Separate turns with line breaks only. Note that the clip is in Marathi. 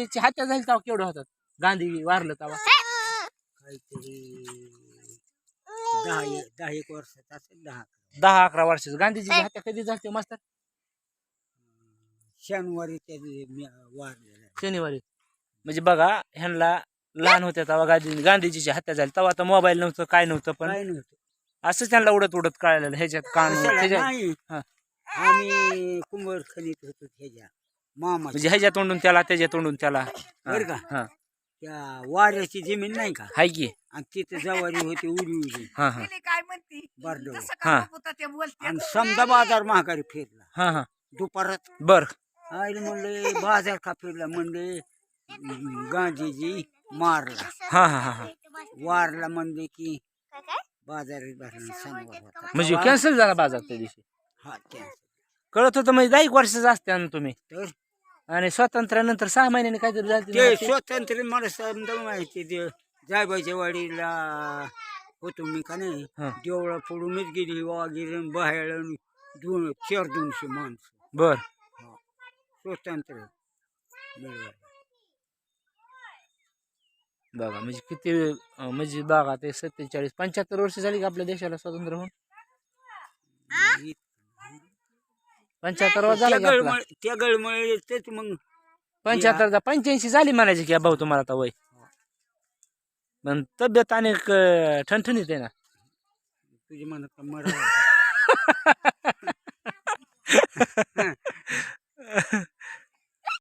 गांधीची हत्या झाली तेव्हा केवढं होतात गांधी वारलं तेव्हा
काहीतरी 10 वर्षात असेल
10-11 वर्षाचं गांधीजीची हत्या कधी झाली मास्तर
शनिवारी त्या वारलेला
शनिवारी म्हणजे बघा ह्यांना लहान होत्या तेव्हा गांधीजीची हत्या झाली तेव्हा आता मोबाईल नव्हतं काय नव्हतं पण
काय नव्हतं
असंच त्यांना उडत उडत कळालेलं ह्याच्यात
नाही
हा.
आम्ही कुंभर खणीत होतो ह्याच्या मामा
म्हणजे ह्याच्या तोंडून त्याला त्याच्या तोंडून त्याला
बरं का
हा
त्या वाऱ्याची जमीन नाही का
हाय की
आणि तिथे जवारी होती उडी
हा हा
काय म्हणती
बारडव
हा
ते बोलते
आणि समजा बाजार महागारी फिरला
हा हा
दुपारात
बर
आईला म्हणले बाजार का फिरला म्हणले गांधीजी मारला
हा हा हा हा
वारला म्हणले की बाजार भरला शनिवार होता
म्हणजे कॅन्सल झाला बाजार त्या दिवशी
हा कॅन्सल
कळत होतं म्हणजे 10 वर्षाचं असते ना तुम्ही
तर
आणि स्वातंत्र्यानंतर 6 महिन्यांनी काहीतरी झालं
ते स्वातंत्र्य मला समजा माहिती ते जायबाईच्या वाडीला होतो मी का नाही
हा.
देवळा फोडूनच गेली वागिर बाहेर 200 माणसं
बर
स्वतंत्र मिळवायला
बघा म्हणजे किती म्हणजे बघा ते 47-75 वर्ष झाली का आपल्या देशाला स्वातंत्र्य होऊन 75 वर्ष झालं का आपला
त्या गळमुळे तेच मग
85 झाली म्हणायची की भाऊ तुम्हाला आता वय पण तब्येत आणि ठणठणीत आहे ना
तुझी म्हणत मरा